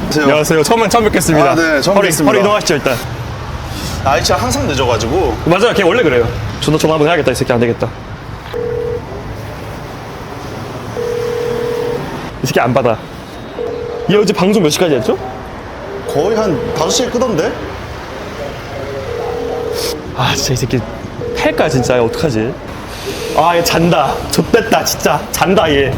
안녕하세요. 처음 뵙겠습니다. 아, 네, 처음 바로 뵙겠습니다. 이동하시죠, 일단. 아이차 항상 늦어가지고. 맞아요. 걔 원래 그래요. 전화 한번 해야겠다. 이 새끼 안 되겠다. 이 새끼 안 받아. 얘 어제 방송 몇 시까지 했죠? 거의 한 5시에 끄던데? 아, 진짜 이 새끼 팰까, 진짜. 어떡하지? 아, 얘 잔다. 좆됐다, 진짜. 잔다, 얘.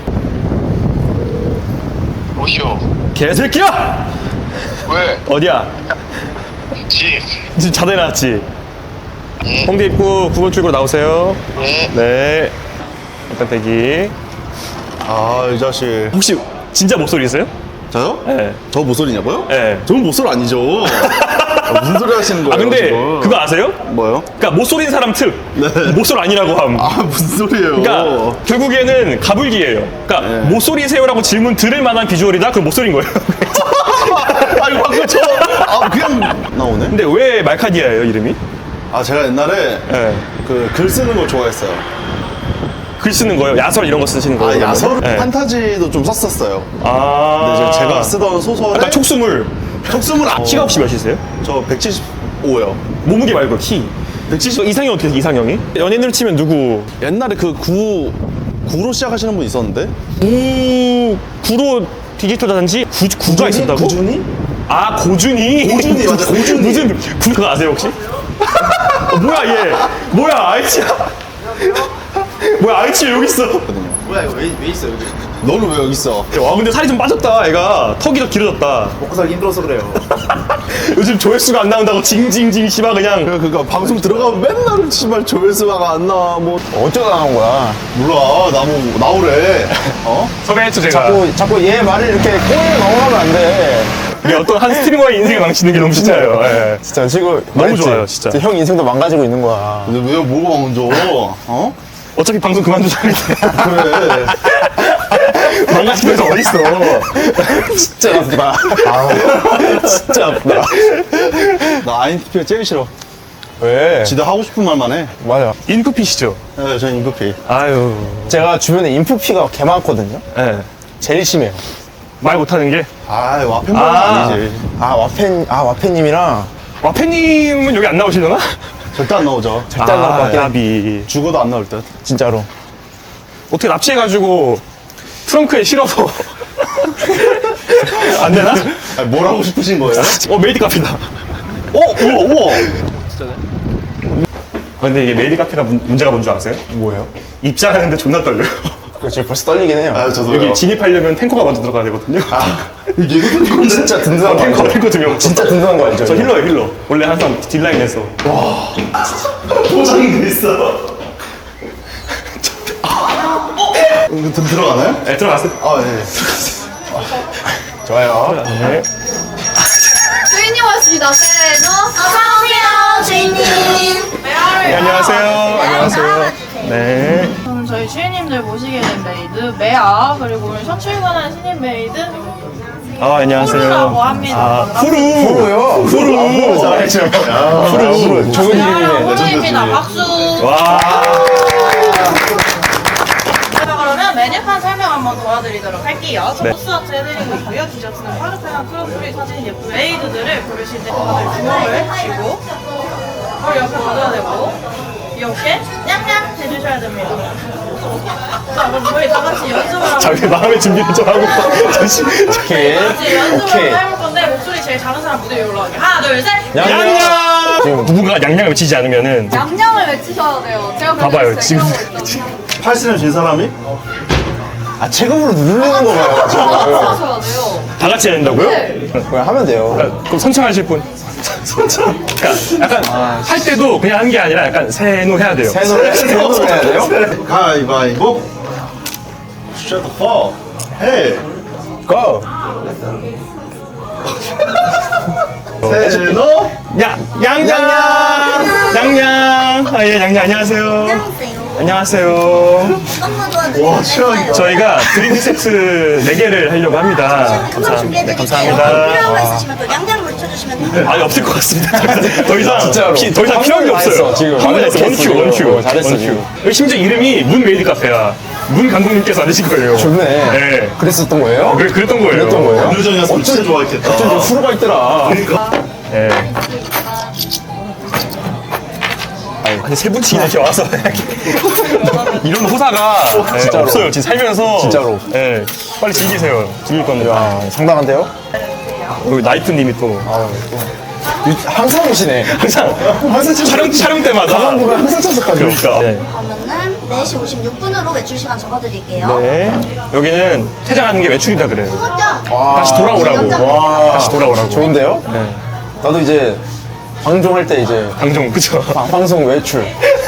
오쇼. 개새끼야! 왜? 어디야? 집. 지금 자다 일어났지? 홍대 입구 9번 출구로 나오세요. 네. 네. 일단 대기. 아, 이 자식. 혹시 진짜 목소리세요? 저요? 네. 저 모쏠이냐고요? 네. 저는 모쏠 아니죠. 무슨 소리 하시는 거예요? 아, 근데 지금? 그거 아세요? 뭐요? 그러니까 못소린 사람 특. 네. 못소리 아니라고 함. 아, 무슨 소리예요? 그러니까 결국에는 가불기예요. 그러니까 네. 못소리세요라고 질문 들을 만한 비주얼이다? 그럼 못소린 거예요. 아니, 방금 그냥 나오네? 근데 왜 말카디아예요, 이름이? 아, 제가 옛날에 네. 그 글 쓰는 걸 좋아했어요. 글 쓰는 거예요? 야설 이런 거 쓰시는 거예요? 아, 그러면? 야설 네. 판타지도 좀 썼었어요. 아. 근데 이제 제가 쓰던 소설에 약간 촉수물. 촉수물 키가 혹시 몇이세요? 저 175요. 몸무게 말고 키. 170 이상형 어떻게 돼요, 이상형이? 연예인으로 치면 누구? 옛날에 그 구로 시작하시는 분 있었는데? 구로 디지털 단지? 구가 있었다고? 구준이? 아, 고준이? 고준이, 맞아, 고준이. 무슨, 그거 아세요, 혹시? 뭐야, 얘. 뭐야, 아이치야. 뭐야, 아이치 여기 있어. 뭐야 이거 왜 있어 여기? 너는 왜 여기 있어? 와, 근데 살이 좀 빠졌다, 애가. 턱이 더 길어졌다. 먹고 살기 힘들어서 그래요. 요즘 조회수가 안 나온다고 징징징 씨발 그냥. 그러니까 방송 들어가면 맨날 씨발 조회수가 안 나와 뭐 어쩌다 나온 거야? 몰라 나오래. 어? 섭외했죠, 제가. 자꾸 얘 말을 이렇게 꼬리에 넘어가면 안 돼. 이게 어떤 한 스트리머의 인생을 망치는 게 너무 진짜예요. 예. 진짜 지금 너무 말했지? 좋아요, 진짜. 형 인생도 망가지고 있는 거야. 근데 왜 뭐가 먼저? 어? 어차피 방송 그만두자는데. 그래. 망가지면서 어딨어. 진짜 아프다. 진짜 아프다. 나 INFP가 제일 싫어. 왜? 지도 하고 싶은 말만 해. 맞아. 인프피시죠? 네, 저는 INFP. 아유. 제가 주변에 인프피가 개 많거든요. 예. 제일 심해요. 말 못하는 게. 아, 와펜만 아. 아니지. 와펜님이랑 와페님은 여기 안 나오시려나? 절대 안 나오죠. 절대 안 나올 것 같긴 해. 야비. 죽어도 안 나올 듯. 진짜로. 어떻게 납치해가지고 트렁크에 실어서. 안 되나? 아니, 뭘 하고 싶으신 거예요? 메이드 카페다. 우와. 근데 이게 메이드 카페가 문제가 뭔 줄 아세요? 뭐예요? 입장하는데 존나 떨려요. 지금 벌써 떨리긴 해요. 아, 저도요. 여기 진입하려면 탱커가 먼저 들어가야 되거든요. 이거 진짜 든든한 거 알죠? 탱커 2명. 진짜 든든한 거 알죠? 저 힐러예요, 힐러. 원래 항상 딜라인에서. 포장이 돼 있어. 이거 좀 들어가나요? 네, 들어갔어요. 아, 네. 좋아요. 네. 주인님 왔습니다. 세노. 어서오세요, 주인님. 네, 안녕하세요. 안녕하세요. 네. 저는 저희 주인님들 모시게 된 메이드 메아 그리고 오늘 첫 출근한 신인 메이드 아, 안녕하세요. 후루라고 합니다. 아, 후루. 후루요? 후루. 잘했죠. 후루. 좋은 이름이네. 후루입니다. 박수. 와. 자, 그러면 메뉴판 설명 한번 도와드리도록 할게요. 저 소스 아트 해드리고 있고요. 디저트는 파르페나 크로플이 사진 예쁜 메이드들을 고르실 때 다들 주먹을 쥐고 물 옆에 가져야 되고 이렇게 냠냠 해주셔야 됩니다. 자, 그럼 저희 다 같이 연습을 한번 자기 마음의 준비를 좀 하고. 잠시. 오케이. 같이 연습을 오케이. 한번 해볼 건데 목소리 제일 작은 사람 무대 위에 올라가게. 하나, 둘, 셋. 양양! 지금 누군가 양양을 외치지 않으면은. 양양을 외치셔야 돼요. 제가 봐봐요, 지금. 팔씨름 진 사람이? 체급으로 누르는 거 봐요. 지금. 하셔야 돼요. 다 같이 해야 된다고요? 네. 그냥 하면 돼요. 그럼 선창하실 분. 선창. 그러니까 약간 할 때도 그냥 하는 게 아니라 약간 세노 해야 돼요. 세노를 해야 돼요? 가위바위보. Shut the fuck. Hey. 고! 세노. 양양! 양양! 아, 예, 양양, 안녕하세요. 안녕하세요. 와, 최악이다. 저희가 드링크 세트 4개를 하려고 합니다. 감사합니다. 네, 감사합니다. 필요한 거 있으시면 또 양장 물쳐주시면 돼요. 아니, 없을 것 같습니다. 더 이상, 진짜로. 더 이상 필요한 게 다 없어요. 했어, 지금. 한번 했어, 잘했어, 원큐. 잘했어, 원큐. 지금. 여기 심지어 이름이 문 메이드 카페야. 문 감독님께서 만드신 거예요. 좋네. 네. 그랬었던 거예요? 그랬던 거예요. 그랬던 거예요? 안루전이었으면 진짜 좋아했겠다. 어쩐지 후루가 있더라. 네. 아니 세 분치기나 이렇게 와서 이런 호사가 네, 진짜로. 없어요. 지금 살면서 진짜로. 네, 빨리 즐기세요. 즐길 겁니다. 상당한데요? 여기 나이프님이 또 항상 오시네. 항상 촬영 때마다 가방 보면 항상 찾아가죠. 그러니까. 네. 그러면은 4시 56분으로 외출 시간 적어드릴게요. 네. 여기는 퇴장하는 게 외출이다 그래요. 그거죠? 다시 돌아오라고. 와, 다시 돌아오라고. 좋은데요? 네. 나도 이제 방종할 때 이제 방송 그쵸? 방송 외출.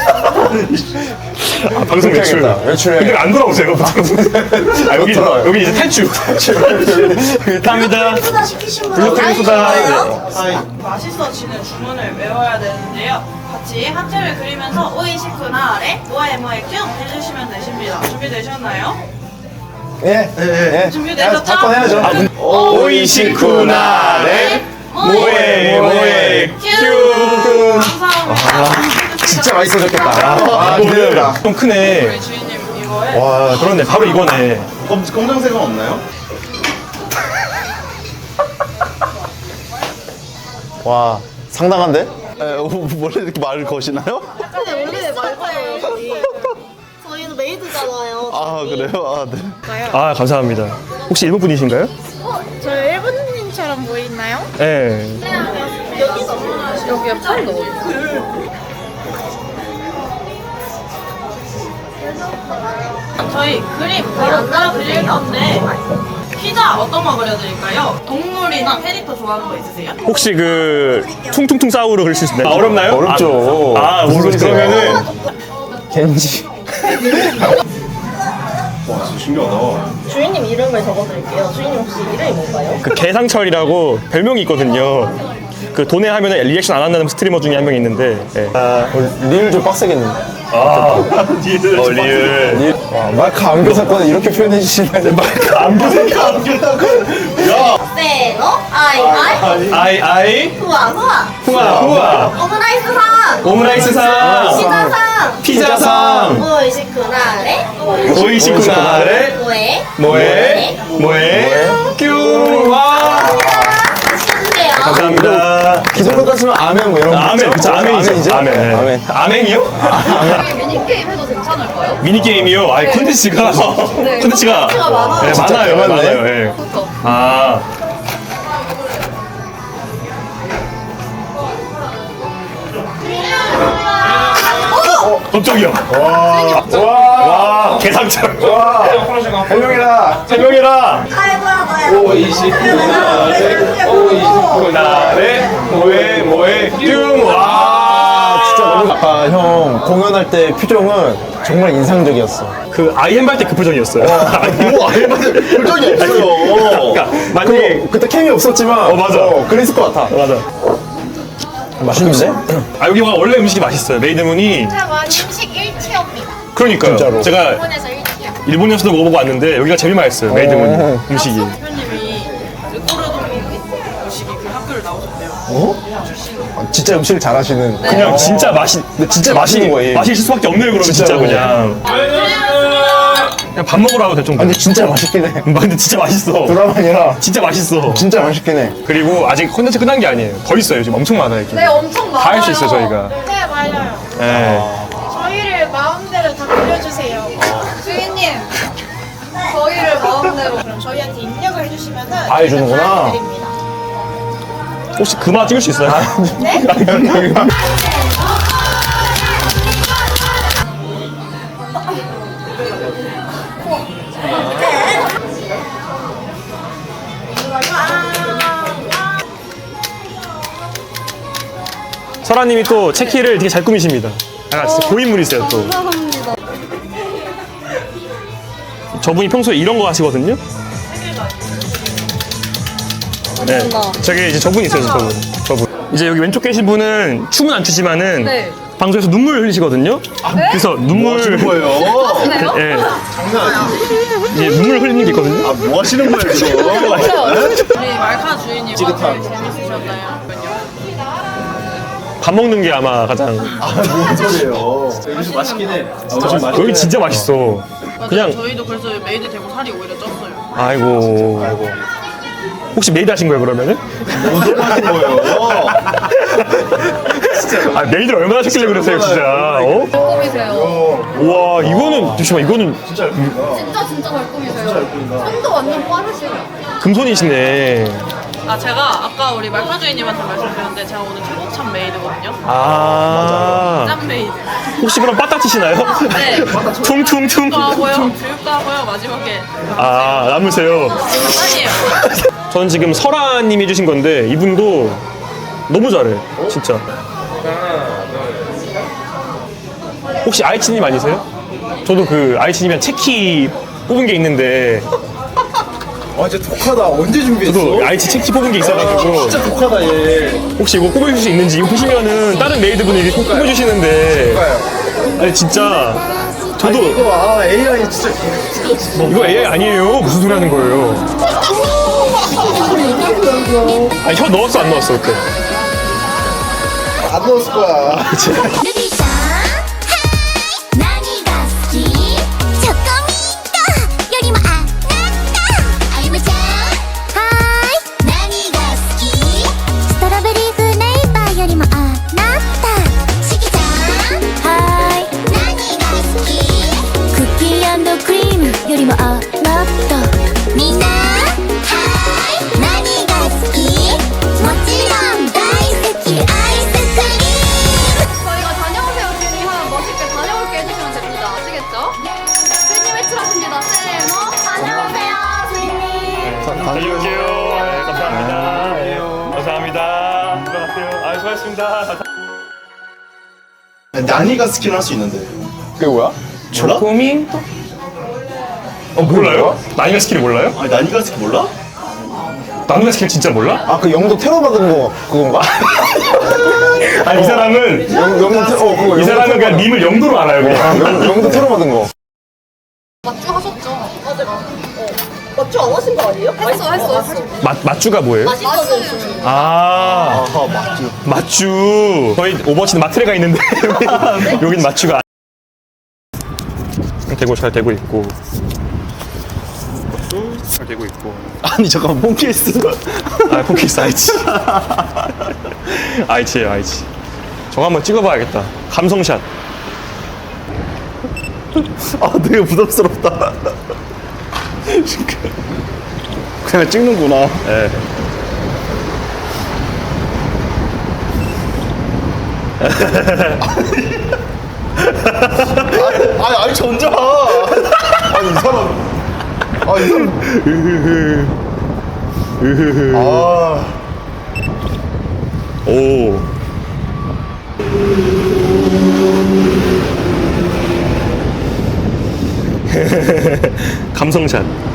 아, 방송 외출. 해야겠다. 외출해. 근데 안 돌아오세요. 아, 여기 돌아와요. 여기 이제 탈출. 감사합니다. 소다 시키신 분 블루크림 소다. 맛있어지는 주문을 외워야 되는데요. 같이 하트를 그리면서 오이시쿠나 아래 모에모에 큐 해주시면 되십니다. 준비되셨나요? 예, 예. 준비되셨죠? 사건 해야죠. 오이시쿠나레 모에 큐. 감사합니다. 진짜 맛있어졌겠다. 아, 이거는 기대된다. 좀 크네. 우리 주인님 이거에 와, 그렇네. 바로 이거네. 검정색은 없나요? 와, 상당한데? 원래 이렇게 말을 거시나요? 원래 말거예요 저희. 저희는 메이드잖아요. 아 그래요? 아 네. 아, 감사합니다. 혹시 일본 분이신가요? 저 일본인처럼 보이나요? 네. 여기에 팔 넣어. 저희 그림 바로 그려드릴 건데 피자 어떤 거 그려드릴까요? 동물이나 캐릭터 좋아하는 거 있으세요? 혹시 그 퉁퉁퉁 싸우로 그릴 수 있나요? 아, 어렵나요? 어렵죠. 아, 무슨 모르 소리세요? 그러면은 겐지. 와 진짜 신기하다. 주인님 이름을 적어드릴게요. 주인님 혹시 이름이 뭔가요? 그 개상철이라고 별명이 있거든요. 그 돈에 하면은 리액션 안 한다는 스트리머 중에 한 명 있는데. 예. 리을 좀 빡세겠는데. 리을. 와, 마이크 안교 사건을 이렇게 표현해 주시면 마이크 안교 사건. 세노 아이 아이 후아 후아 오므라이스상 오므라이스상 피자상 피자상 오이시쿠나레 오이시쿠나레 모에 큐와 시켜주세요. 감사합니다. 기존 같으면 아멘 뭐 이런 거. 아멘, 그쵸, 아멘이죠. 아멘. 네. 아멘. 아멘이요? 미니게임 해도 괜찮을까요? 미니게임이요? 아니, 콘텐츠가. 콘텐츠가. 네, 많아요. 많네. 많아요. 예. 아. 깜짝이야. 와, 개상철. 와, 해명이라. 세 명이라. 아이고야 나래, 모에, 뀨. 와, 진짜 너무 아까 형 공연할 때 표정은 정말 인상적이었어. 그 아이엠 때 그 표정이었어요. 뭐 아예 표정이 없어요. 그러니까 만약에 그때 캠이 없었지만 맞아. 그랬을 것 같아. 맞아. 맛있는데? 아, 여기가 원래 음식이 맛있어요. 메이드문이. 제가 음식 1티어입니다. 그러니까요. 진짜로. 제가 일본에서 1티어. 일본에서도 먹어보고 왔는데 여기가 제일 맛있어요. 메이드문 음식이. 대표님이 르꼬르동 음식이 그 학교를 나오셨대요. 진짜 음식을 잘하시는. 그냥 진짜 근데 진짜 맛있는 거예요. 맛있을 수밖에 없네요. 그러면 진짜 진짜로. 그냥. 그냥 밥 먹으러 가도 될 정도. 근데 진짜 맛있긴 해. 근데 진짜 맛있어. 드라마 아니라 진짜 맛있어. 진짜 맛있긴 해. 그리고 아직 콘텐츠 끝난 게 아니에요. 더 있어요. 지금 엄청 많아요. 이렇게. 네, 엄청 많아요. 다 할 수 있어요, 저희가. 네, 맞아요. 네. 저희를 마음대로 다 그려주세요. 주인님, 저희를 마음대로 그럼 저희한테 입력을 해주시면은 다 해주는구나. 드립니다. 혹시 그마 찍을 수 있어요? 네? 설아님이 또 체키를 되게 잘 꾸미십니다. 아, 진짜 고인물이세요 또. 감사합니다. 저분이 평소에 이런 거 하시거든요. 네, 저기 이제 저분이 있어요, 저분. 이제 여기 왼쪽 계신 분은 춤은 안 추지만은 네. 방송에서 눈물 흘리시거든요. 그래서 눈물 하시는 거예요? 예. 이제 눈물 흘리는 게 있거든요. 아 뭐 하시는 거예요 지금? 우리 말카 주인님 어떻게 재밌으셨나요? 밥 먹는 게 아마 가장 뭔 소리예요? 여기 좀 맛있긴 해. 여기 진짜 맛있어. 맞아요. 그냥- 저희도 그래서 메이드 되고 살이 오히려 쪘어요. 아이고. 혹시 메이드 하신 거예요, 그러면은? 무슨 하신 거예요? 아, 메이드를 얼마나 하셨길래 그러세요, 진짜. 어? 발꿈이세요. 우와, 이거는, 잠시만, 이거는 진짜 발꿈이세요. 손도 완전 빠르시네요. 금손이시네. 아 제가 아까 우리 말파주인님한테 말씀드렸는데 제가 오늘 최고참 메이드거든요. 아. 짠 메이드. 혹시 그럼 빠따 치시나요? 네. 퉁퉁퉁. 교육도 하고요. 교육도 하고요. 마지막에 아, 남으세요. 짠이에요. 저는 지금 설아님이 해주신 건데, 이분도 너무 잘해. 진짜. 혹시 아이치님 아니세요? 저도 그 아이치님이랑 체키 뽑은 게 있는데, 아 진짜 독하다. 언제 준비했어? 저도 아이치 체키 뽑은 게 있어가지고, 진짜 독하다 얘. 혹시 이거 뽑아주실 수 있는지, 이거 보시면은 다른 메이드분이 꼭 뽑아주시는데, 아니, 진짜. 저도 아 AI 진짜. 이거 AI 아니에요. 무슨 소리 하는 거예요? 아니, 혀 넣었어, 안 넣었어, 그때? 안 넣었을 거야. ルビーさん何が好きチョコミントよりもあなたあゆむちゃんはーい何が好きストロベリーフレーバーよりもあなたしきちゃんはーい何が好きクッキー&クリームよりもあなたみんなはーい何が好きもちろん大好きアイスクリーム 저희가 다녀오세요 주인님 하면 멋있게 다녀올게 해주시면 됩니다. 아시겠죠? 주인님 외출하십니다. 세모 다녀오세요 주인님. 다녀올게요. 네, 감사합니다. 감사합니다. 들어가세요. 아, 수고하셨습니다. 난이가 스킨 할 수 있는데. 그게 뭐야? 몰라? 고민? 몰라요? 나이가 스킬 몰라요? 아니 난이가 스킨 몰라? 나이가 스킬 진짜 몰라? 아, 그 영도 테러 받은 거 그건가? 아니, 이 사람은, 영도 테러, 그거 이 사람은 그냥 밈을 영도로 알아요, 그냥. 영도 테러 받은 거. 맞추 하셨죠? 맞추 안 하신 거 아니에요? 했어. 맛주가 뭐예요? 맛있어요. 아, 맛주. 저희 오버워치는 마트레가 있는데 여긴 맛주가 되고 잘 되고 있고 잘 되고 있고. 아니 잠깐만 폰케이스. 아, 포키스 아이치. 아이치예요, 아이치. 저거 한번 찍어봐야겠다. 감성샷. 아 되게 부담스럽다. 그냥 찍는구나. 예. 아니 저 혼자. 아니 이 사람. 아이 사람. 아. 오. 감성샷.